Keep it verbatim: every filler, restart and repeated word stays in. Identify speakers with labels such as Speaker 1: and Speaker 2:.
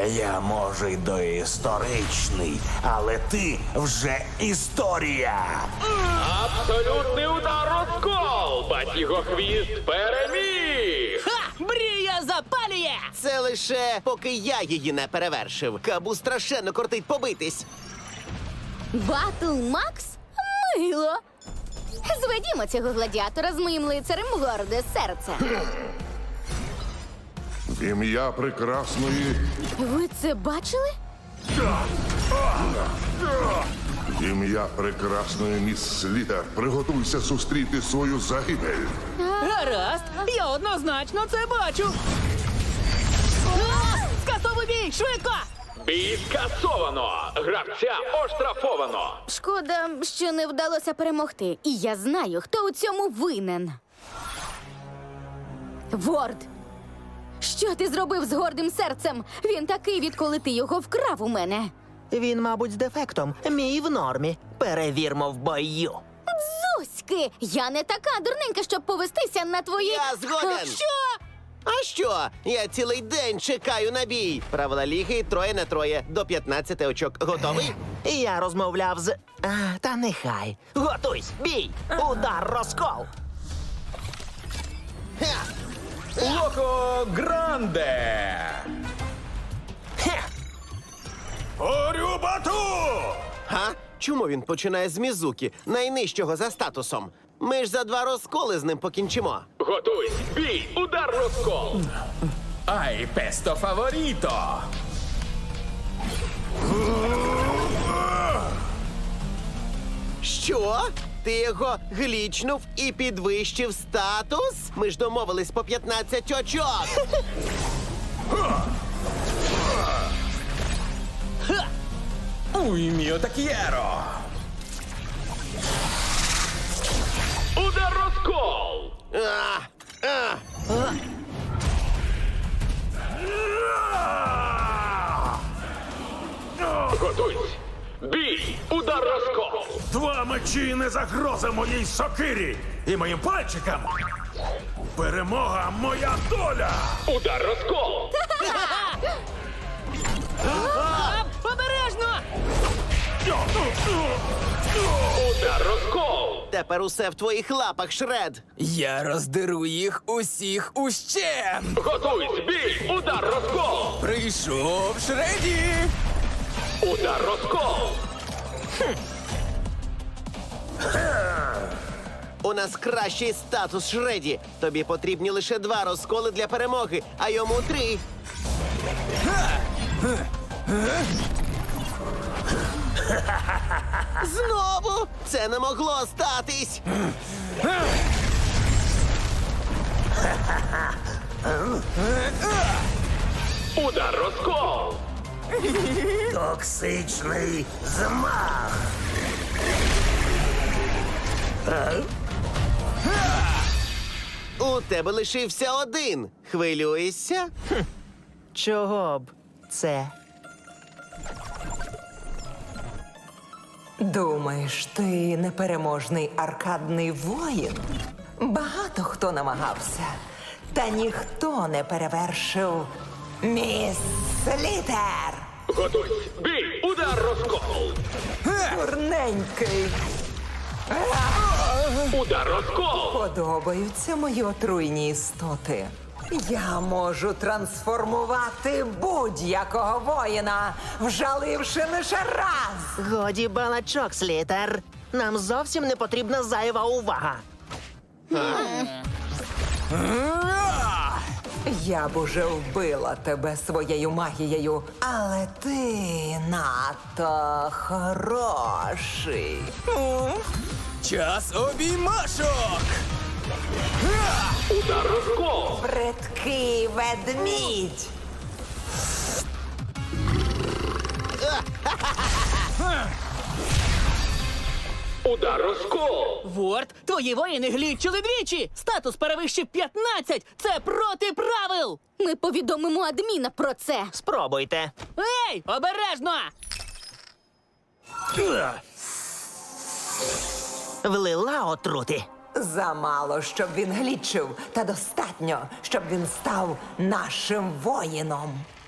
Speaker 1: Я, може, й доісторичний, але ти вже історія.
Speaker 2: Абсолютний удар розкол! Батігохвіст переміг!
Speaker 3: Ха! Мрія запалює!
Speaker 4: Це лише поки я її не перевершив. Кабу страшенно кортить побитись.
Speaker 5: Батл Макс? Мило. Зведімо цього гладіатора з моїм лицарем в горде серце.
Speaker 6: В ім'я прекрасної,
Speaker 5: Ви це бачили?
Speaker 6: в ім'я прекрасної міс Слітер, приготуйся зустріти свою загибель.
Speaker 3: Гаразд, я однозначно це бачу. А! Скасовуй бій, швидко!
Speaker 2: Бій скасовано! Гравця оштрафовано!
Speaker 5: Шкода, що не вдалося перемогти. І я знаю, хто у цьому винен. Ворд! Що ти зробив з гордим серцем? Він такий, відколи ти його вкрав у мене.
Speaker 7: Він, мабуть, з дефектом. Мій в нормі. Перевірмо в бою.
Speaker 5: Зуськи! Я не така дурненька, щоб повестися на твої...
Speaker 4: Я згоден.
Speaker 5: А, що?
Speaker 4: А що? Я цілий день чекаю на бій. Правила ліги троє на троє. До п'ятнадцяти очок. Готовий?
Speaker 7: Я розмовляв з. А, та нехай. Готуйсь, бій! Удар розкол!
Speaker 4: Ха!
Speaker 1: Локо Гранде!
Speaker 7: Хе!
Speaker 1: Орюбату!
Speaker 4: Га? Чому він починає з Мізуки, найнижчого за статусом? Ми ж за два розколи з ним покінчимо.
Speaker 2: Готуйсь! Бій! Удар розкол!
Speaker 1: Ай, песто фаворіто!
Speaker 4: Що? Ти його глічнув і підвищив статус? Ми ж домовились по п'ятнадцять очок.
Speaker 1: Уй, міо так'єро!
Speaker 2: Удар розкол!
Speaker 4: А, а.
Speaker 2: Готуйсь! Бій! Удар розкол!
Speaker 8: Два мечі не загроза моїй сокирі і моїм пальчикам. Перемога моя доля.
Speaker 2: Удар розкол!
Speaker 3: А, обережно!
Speaker 2: Удар розкол!
Speaker 4: Тепер усе в твоїх лапах, Шред.
Speaker 9: Я роздеру їх усіх ущен!
Speaker 2: Готуйсь! Бій! Удар розкол!
Speaker 9: Прийшов Шреді!
Speaker 2: Удар розкол!
Speaker 4: У нас кращий статус, Шреді. Тобі потрібні лише два розколи для перемоги, а йому три. Знову? Це не могло статись.
Speaker 2: Удар розкол!
Speaker 1: Токсичний змах!
Speaker 4: У тебе лишився один. Хвилюєшся?
Speaker 7: Чого б це?
Speaker 10: Думаєш, ти непереможний аркадний воїн? Багато хто намагався, та ніхто не перевершив міс Слітер!
Speaker 2: Готуйсь! Бій! Удар розкол!
Speaker 10: Дурненький!
Speaker 2: Удар розкол!
Speaker 10: Подобаються мої отруйні істоти. Я можу трансформувати будь-якого воїна, вжаливши лише раз.
Speaker 7: Годі балачок, Слітер. Нам зовсім не потрібна зайва увага.
Speaker 10: Я б уже вбила тебе своєю магією, але ти надто хороший.
Speaker 9: Час обіймашок!
Speaker 2: Удар розкол!
Speaker 10: Бридкий ведмідь.
Speaker 2: Удар розкол!
Speaker 3: Ворд, твої воїни глічили двічі! Статус перевищив п'ятнадцять! Це проти правил!
Speaker 5: Ми повідомимо адміна про це.
Speaker 7: Спробуйте.
Speaker 3: Ей, обережно!
Speaker 7: Влила отрути.
Speaker 10: Замало, щоб він глічив, та достатньо, щоб він став нашим воїном.